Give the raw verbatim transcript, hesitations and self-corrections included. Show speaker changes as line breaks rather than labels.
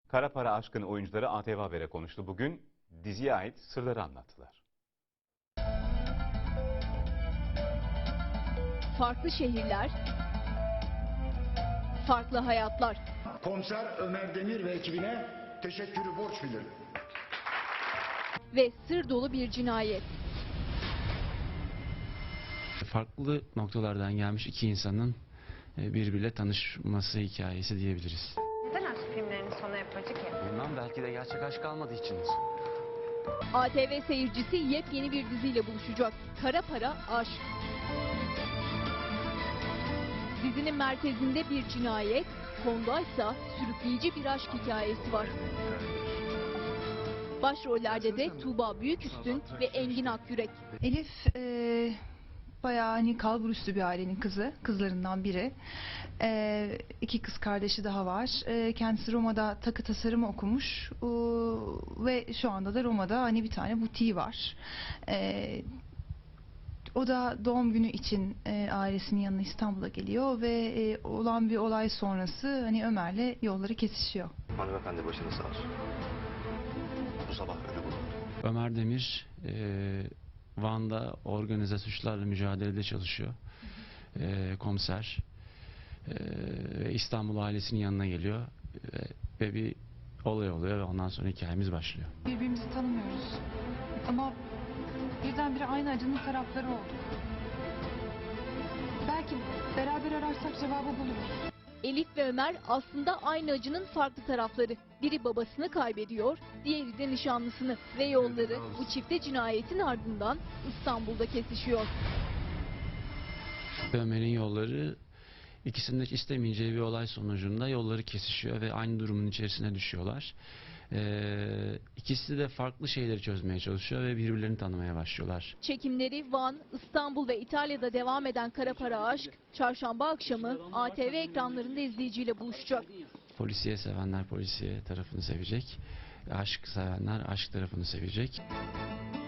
Kara Para Aşk'ın oyuncuları A T V Haber'e konuştu. Bugün diziye ait sırları anlattılar.
Farklı şehirler, farklı hayatlar.
Komiser Ömer Demir ve ekibine teşekkürü borç bilirim.
Ve sır dolu bir cinayet.
Farklı noktalardan gelmiş iki insanın birbiriyle tanışması hikayesi diyebiliriz.
Neden aşk filmlerinin sonu hep acı ki?
Bilmem, belki de gerçek aşk kalmadığı içindir.
A T V seyircisi yepyeni bir diziyle buluşacak. Kara Para Aşk. Dizinin merkezinde bir cinayet, fondaysa sürükleyici bir aşk hikayesi var. Başrollerde de Tuğba Büyüküstün ve Engin Akyürek.
Elif e, bayağı hani kalburüstü bir ailenin kızı, kızlarından biri. E, iki kız kardeşi daha var. E, kendisi Roma'da takı tasarımı okumuş e, ve şu anda da Roma'da hani bir tane butiği var. E, o da doğum günü için e, ailesinin yanına İstanbul'a geliyor ve e, olan bir olay sonrası hani Ömer'le yolları kesişiyor.
Hanımefendi başınız sağ olsun. Bu sabah ölü bulundu.
Ömer Demir e, Van'da organize suçlarla mücadelede çalışıyor. E, komiser. E, ve İstanbul ailesinin yanına geliyor. E, ve bir olay oluyor ve ondan sonra hikayemiz başlıyor.
Birbirimizi tanımıyoruz ama birdenbire aynı acının tarafları olduk. Belki beraber ararsak cevabı buluruz.
Elif ve Ömer aslında aynı acının farklı tarafları. Biri babasını kaybediyor, diğeri de nişanlısını ve yolları bu çifte cinayetin ardından İstanbul'da kesişiyor.
Ömer'in yolları, ikisinin de istemeyeceği bir olay sonucunda yolları kesişiyor ve aynı durumun içerisine düşüyorlar. Ee, ikisi de farklı şeyleri çözmeye çalışıyor ve birbirlerini tanımaya başlıyorlar.
Çekimleri Van, İstanbul ve İtalya'da devam eden Kara Para Aşk, çarşamba akşamı A T V ekranlarında izleyiciyle buluşacak.
Polisiye sevenler polisiye tarafını sevecek, aşk sevenler aşk tarafını sevecek.